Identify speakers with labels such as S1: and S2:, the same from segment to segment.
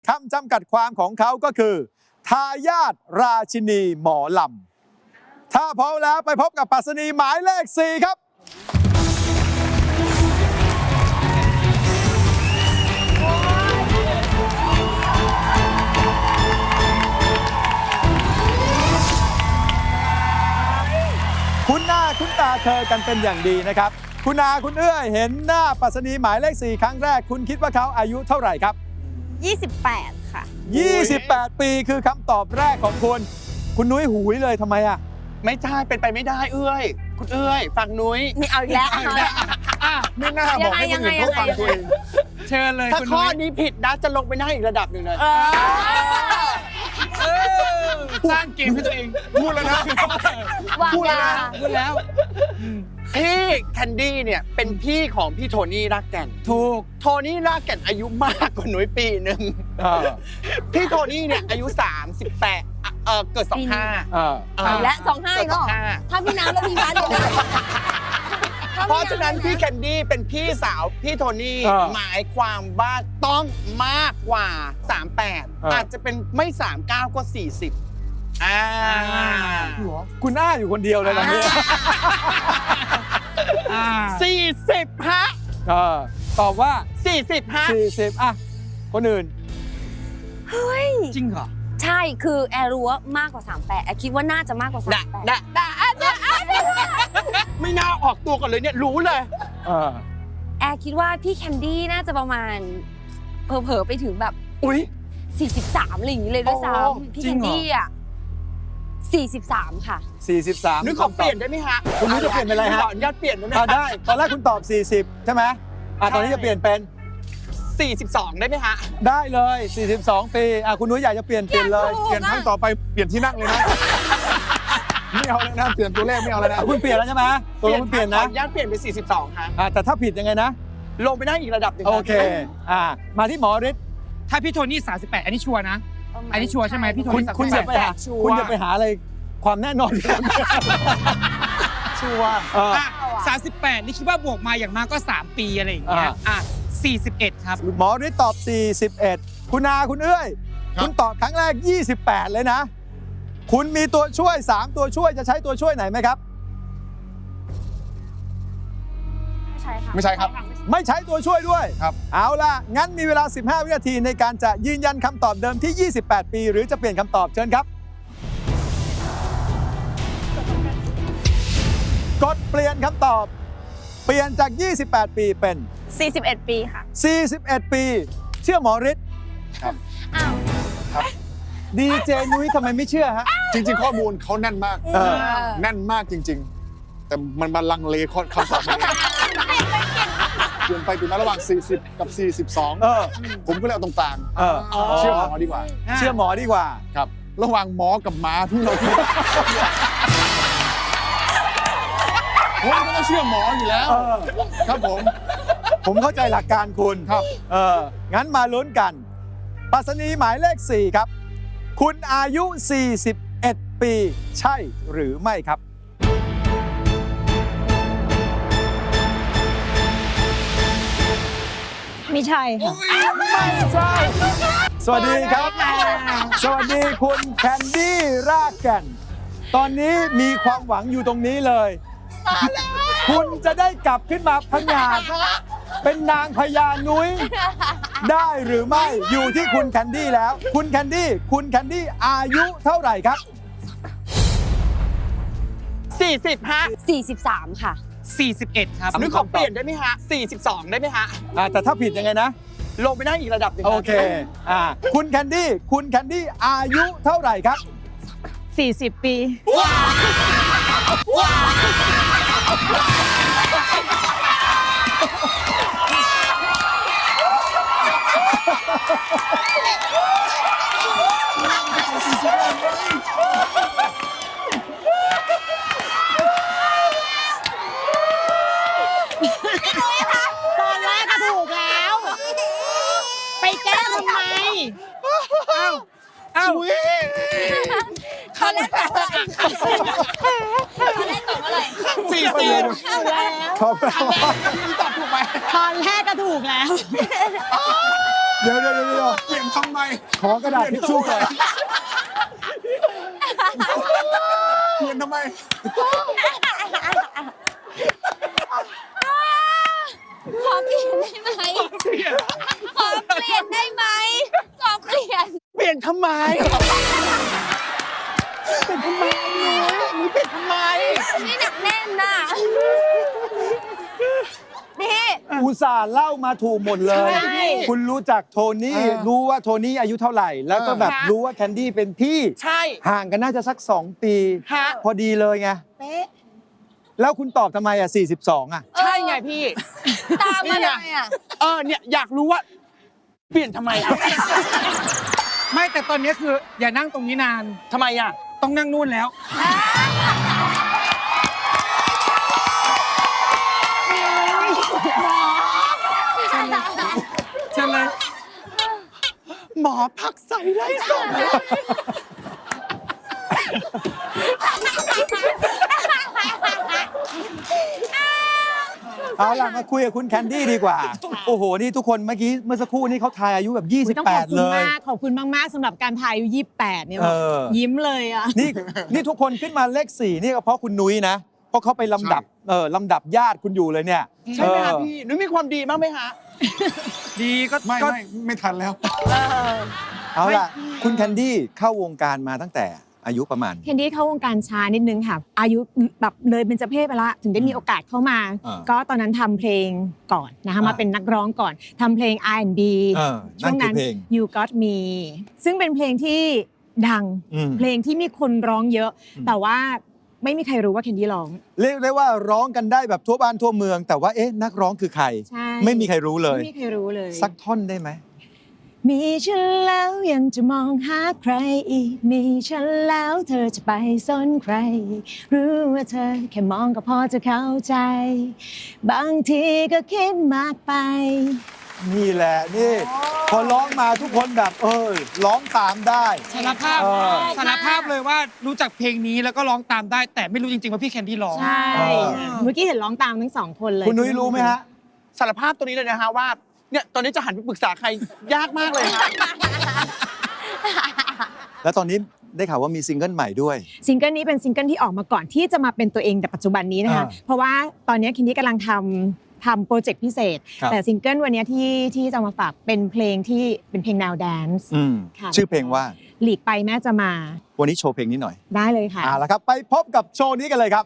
S1: คำจำกัดความของเขาก็คือทายาทราชินีหมอลำถ้าพร้อมแล้วไปพบกับปรัชนีหมายเลข 4 ครับคุณหน้าคุณตาเธอกันเป็นอย่างดีนะครับ คุณอาคุณเอื้อยเห็นหน้าปรัชนีหมายเลข 4 ครั้งแรกคุณคิดว่าเขาอายุเท่าไหร่ครับ
S2: 28 ค่ะ
S1: 28 ปีคือคำตอบแรกของคุณ คุณนุ้ยหูยเลยทำไมอ่ะ
S3: ไม่ใช่เป็นไปไม่ได้เอื้อยคุณเอื้อยฟังนุ้ย
S2: นี่เอาอีกแล้ว
S4: ไม่น่าบอกให้คนอื่นเขาฟังตัวเอง
S5: เชิญเลย
S3: ถ้า
S5: คุณ
S3: ข้อ
S5: นุ้ย
S3: นี้ผิดนะจะลงไปหน้าอีกระดับหนึ่งเลย
S5: สร้างเกมให้ตัวเอง
S4: พูดแล้วนะ
S2: วางยา
S5: พูดแล้ว
S3: พี่แคนดี้เนี่ยเป็นพี่ของพี่โทนี่รากแก่น
S5: ถูก
S3: โทนี่รากแก่นอายุมากกว่านุ้ยปีหนึ่ง
S1: เออ
S3: พี่โทนี่เนี่ยอายุ 38เกิด 25
S1: เออ
S2: เอาอีกแล้ว25อีกแล้วเหรอถ้าพี่น้ำแล้วพี่พัดเนี่ย
S3: เพราะฉะนั้นพี่แคนดี้เป็นพี่สาวพี่โทนี่หมายความว่าต้องมากกว่า 38 อาจจะเป็นไม่ 39 ก็ 40
S1: คุณอ้าอยู่คนเดียวเลยตอนนี้
S3: 40 ฮะ
S1: เออตอบว่า
S3: 40 ฮะ
S1: 40 อ่ะ คนอื่น
S2: เฮ้ย
S5: จริงเหรอ
S2: ใช่คือแอร์รู้ว่ามากกว่า38แอร์คิดว่าน่าจะมากกว่า38
S3: ไม่น่าออกตัวก่อนเลยเนี่ยรู้เลย
S1: เออ
S2: แอร์คิดว่าพี่แคนดี้น่าจะประมาณเผลอๆไปถึงแบบ
S3: อุ๊ย
S2: 43อะไรอย่างนี้เลยด้วยซ้
S3: อ๋อ
S2: ำพี่แคนดี้อ่ะ43 ค่ะ
S1: 43
S3: นึกขอเปลี่ยนได้ไหมฮะ
S1: คุณนุ้ยจะเปลี่ยนเป็นอะไรฮะ
S3: ขออนุญาตเปลี่ยนได้ไหม
S1: ได้ ตอนแรกคุณตอบ 40 ใช่ไหมตอนนี้จะเปลี่ยนเป็น
S3: 42 ได้ไหมฮะ
S1: ได้เลย 42 ปีคุณนุ้ยอยากจะเปลี่ยนเลย
S4: เปลี่ยนครั้งต่อไปเปลี่ยนที่นั่งเลยนะ ไม่เอาแล้วนะ เปลี่ยนตัวเลขไม่เอาแล้วนะ
S1: คุณเปลี่ยนแล้วใช่ไหมตัวคุณเปลี่ยน
S3: ขอ
S1: นะ
S3: อนุญาตเปลี่ยนเป็น 42 ฮะ
S1: แต่ถ้าผิดยังไงนะ
S3: ลงไปได้อีกระดับหนึ่ง
S1: โอเค มาที่หมอฤทธิ์
S5: ถ้าพี่โทนี่38 อันนี้ชัวร์นะ อันนี้ชัวร์ใช่ไหมพี่โท
S1: คุณ
S5: นี่
S1: อย่าไปหาคุณอย่าไปหาอะไรความแน่นอน
S3: ชัวร์
S5: 38 นี่คิดว่าบวกมาอย่างมากก็ 3 ปีอะไรอย่างเงี้ย41 ครับ
S1: หมอฤทธิ์ตอบ 41 คุณอาคุณเอ้ย คุณตอบครั้งแรก 28 เลยนะ คุณมีตัวช่วย 3 ตัวช่วยจะใช้ตัวช่วยไหนไหมครับ
S2: ใช่ค่ะ
S4: ไม่ใช่ครับ
S1: ไม่ใช้ตัวช่วยด้วย
S4: ครับ
S1: เอาล่ะ งั้นมีเวลา 15 วินาทีในการจะยืนยันคำตอบเดิมที่ 28 ปี หรือจะเปลี่ยนคำตอบเชิญครับ กดเปลี่ยนคำตอบ เปลี่ยนจาก 28 ปีเป็น
S2: 41 ปีค่ะ
S1: 41 ปี เชื่อหมอฤทธิ์
S2: อ้าว
S1: ดีเจนุ้ยทำไมไม่เชื่อฮะ
S4: จริง ๆ ข้อมูลเขาแน่นมาก แน่นมากจริง ๆ แต่มันมาลังเลคำตอบมันเองเปลี่ยนไปเปลี่ยนมาระหว่าง 40 กับ 42 ผมก็เลยเอาตรงกลาง เชื่อหมอดีกว่า
S1: เชื่อหมอดีกว่า
S4: ครับ ระหว่างหมอกับหมาที่เราคิดผมก็ต้องเชื่อหมออยู่แล้ว ครับผม
S1: ผมเข้าใจหลักการคุณ
S4: ครับ
S1: งั้นมาลุ้นกันปรัชนีหมายเลข 4 ครับ คุณอายุ 41 ปี ใช่หรือไม่ครับ
S2: ไม่ใช่ค่ะ
S1: ไม่ใช่ สวัสดีครับ สวัสดีคุณแคนดี้รากแก่น ตอนนี้มีความหวังอยู่ตรงนี้เลย คุณจะได้กลับขึ้นมาพังงาดเป็นนางพญานุ้ย ได้หรือไม่อยู่ที่คุณแคนดี้แล้ว คุณแคนดี้อายุเท่าไหร่ครับ
S3: 40 ฮะ
S2: 43 ค่ะ
S5: 41 ครับ
S3: นึกขอเปลี่ยนได้ไหมฮะ 42 ได้ไหมฮะ
S1: แต่ถ้าผิดยังไงนะ
S3: ลงไปได้อีกระดับหนึ่ง
S1: โอเค คุณแคนดี้อายุเท่าไหร่ครับ
S2: 40 ปี
S6: ตอนแรกก็ถูกแล้ว ไปแก้ทำไม
S5: เอ้า
S2: ตอนแรกตอบอะไรตอนแรกตอบอะไร
S3: 40
S1: ขอบคุณ
S3: พี่ตอบถูกไหม
S6: ตอนแรกก็ถูกแล้ว
S1: เดี๋ยว
S4: เปลี่ยนทำไม
S1: ขอกระดาษทิชชู่ก่อน
S4: เปลี่ยนทำไม
S2: ขอเปลี่ยนได้ไหมขอเปลี่ยนได้ไหมขอเปลี่ยน
S3: เปลี่ยนทำไมเปลี่ยนทำไมหนูเปลี่ยนทำไม
S2: นี่หนักแน่นน่ะนี่
S1: อุตส่าห์เล่ามาถูกหมดเลย
S2: ใช่
S1: คุณรู้จักโทนี่ รู้ว่าโทนี่อายุเท่าไหร่ แล้วก็แบบรู้ว่าแคนดี้เป็นพี่
S3: ใช่
S1: ห่างกันน่าจะสัก 2 ปี
S3: ฮะ
S1: พอดีเลยไง
S2: เป๊ะ
S1: แล้วคุณตอบทำไมอ่ะ 42 อ่ะ
S3: ใช่ไงพี่
S2: ตามมาเลยอ่ะ
S3: เนี่ยอยากรู้ว่า เปลี่ยนทำไมอ่ะ
S5: ไม่แต่ตอนนี้คืออย่านั่งตรงนี้นาน
S3: ทำไมอ่ะ
S5: ต้องนั่งนู่นแล้ว เชิญเลย
S3: หมอผักใส่ไร้สม
S1: เอาล่ะมาคุยกับคุณแคนดี้ดีกว่า โอ้โห นี่ทุกคนเมื่อสักครู่นี้เขาทายอายุแบบ
S6: อุ๊ยต้องขอบ
S1: 28
S6: คุ
S1: เล
S6: ณ
S1: ย
S6: มาก ขอบคุณมาก ๆสำหรับการทายอายุ28 เนี่ย
S1: เออ
S6: ยิ้มเลยอ่ะ
S1: นี่ทุกคนขึ้นมาเลข 4 นี่ก็เพราะคุณนุ้ยนะ เพราะเขาไปลำดับญาติคุณอยู่เลยเนี่ย
S3: ใช่ไหมคะ
S1: เออ
S3: พี่หนูมีความดีบ้างไหมฮะ
S5: ดีก็
S4: ไม่ทันแล้ว
S1: เอาล่ะ คุณแคนดี้เข้าวงการมาตั้งแต่อายุประมาณ
S6: เคนดี้เข้าวงการช้านิดนึงค่ะ อายุแบบเลยเบญจเพศไปละถึงได้มีโอกาสเข้ามา
S1: อ่า
S6: ก็ตอนนั้นทำเพลงก่อนนะคะ
S1: อ่าม
S6: มาเป็นนักร้องก่อนทำเพลง R&B
S1: นั่
S6: ช่วน ง
S1: คือ
S6: นั้น
S1: เพลง
S6: You Got Me ซึ่งเป็นเพลงที่ดัง
S1: อืม
S6: เพลงที่มีคนร้องเยอะ แต่ว่าไม่มีใครรู้ว่าเคนดี้ร้อง
S1: เรียกได้ว่าร้องกันได้แบบทั่วบ้านทั่วเมือง แต่ว่าเอ๊ะนักร้องคือใคร
S6: ใช่
S1: ไม่มีใครรู้เลย
S6: ไม่มีใครรู้เลย
S1: สักท่อนได้ไหม
S6: มีฉันแล้วยังจะมองหาใครอีก มีฉันแล้วเธอจะไปสนใครอีกรู้ว่าเธอแค่มองก็พอจะเข้าใจ บางทีก็คิดมากไป
S1: นี่แหละนี่พอร้องมาทุกคนแบบร้องตามได้
S5: สารภาพ
S1: เออ
S5: สารภาพเลยว่ารู้จักเพลงนี้แล้วก็ร้องตามได้ แต่ไม่รู้จริงๆว่าพี่แคนดี้ร้อง
S6: ใช่ เมื่อกี้เห็นร้องตามทั้งสองคนเลย
S1: คุณนุ้ยรู้ไหมฮะ
S3: สารภาพตัวนี้เลยนะฮะว่า เนี่ยตอนนี้จะหันไปปรึกษาใครยากมากเลยฮะ
S1: แล้วตอนนี้ได้ข่าวว่ามีซิงเกิลใหม่ด้วย
S6: ซิงเกิลนี้เป็นซิงเกิลที่ออกมาก่อนที่จะมาเป็นตัวเองแต่ปัจจุบันนี้นะคะ เพราะว่าตอนนี้คินดี้กำลังทำโปรเจกต์พิเศษ
S1: ครับ
S6: แต่ซิงเกิลวันนี้ที่จะมาฝากเป็นเพลงที่เป็นเพลงแนวแดนซ์ ค่ะ
S1: ชื่อเพลงว่า
S6: หลีกไปแม่จะมา
S1: วันนี้โชว์เพลงนี้หน่อย
S6: ได้เลยค่ะ
S1: เอาละครับ ไปพบกับโชว์นี้กันเลยครับ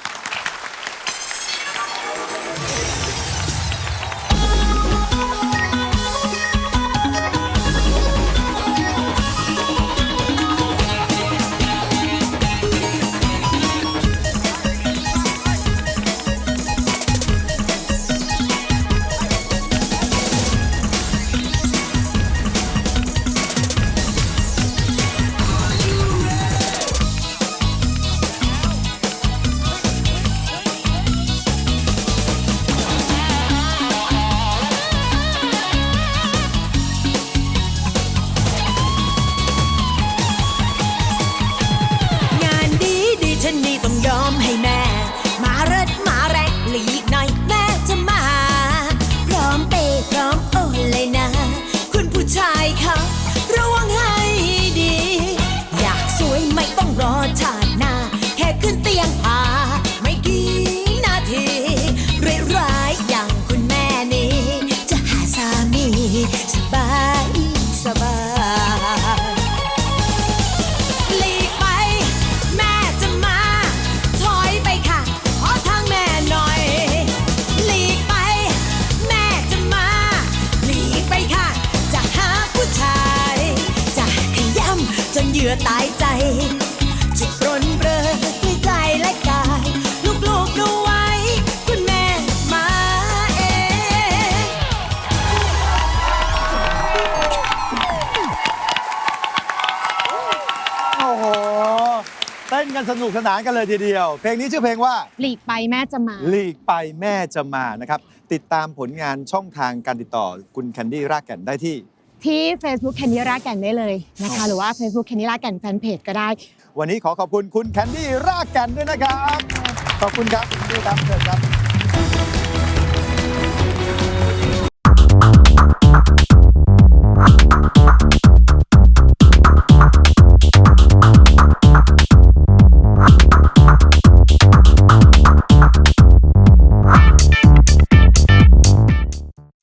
S7: งานดีดีฉันนี่ต้องยอมให้แม่ มาเริดมาแรงหลีกหน่อยแม่จะมา พร้อมเปย์พร้อมโอนเลยนะ คุณผู้ชายคะระวังให้ดี อยากสวยไม่ต้องรอชาติหน้า แค่ขึ้นเตียงพาไม่กี่นาทีร้ายๆอย่างคุณแม่นี้ จะหาสามีสบายสบาย หลีกไปแม่จะมาถอยไปค่ะขอทางแม่หน่อยหลีกไปแม่จะมาหลีกไปค่ะจะหาผู้ชายจะขย้ำจนเหยื่อตายใจจะปรนเปรอด้วยใจและกายลูกๆดูไว้คุณแม่มาเอง
S1: โอ้โห เต้นกันสนุกสนานกันเลยทีเดียว เพลงนี้ชื่อเพลงว่า
S6: หลีกไปแม่จะมา
S1: หลีกไปแม่จะมานะครับ ติดตามผลงานช่องทางการติดต่อคุณแคนดี้รากแก่นได้ที่
S6: ที่ Facebook แคนดี้รากแก่นได้เลยนะคะ หรือว่า Facebook แคนดี้รากแก่นแฟนเพจก็ได้
S1: วันนี้ขอขอบคุณคุณแคนดี้รากแก่นด้วยนะครับ ขอบคุณครับคุณแคนดี้ครับเชิญครับ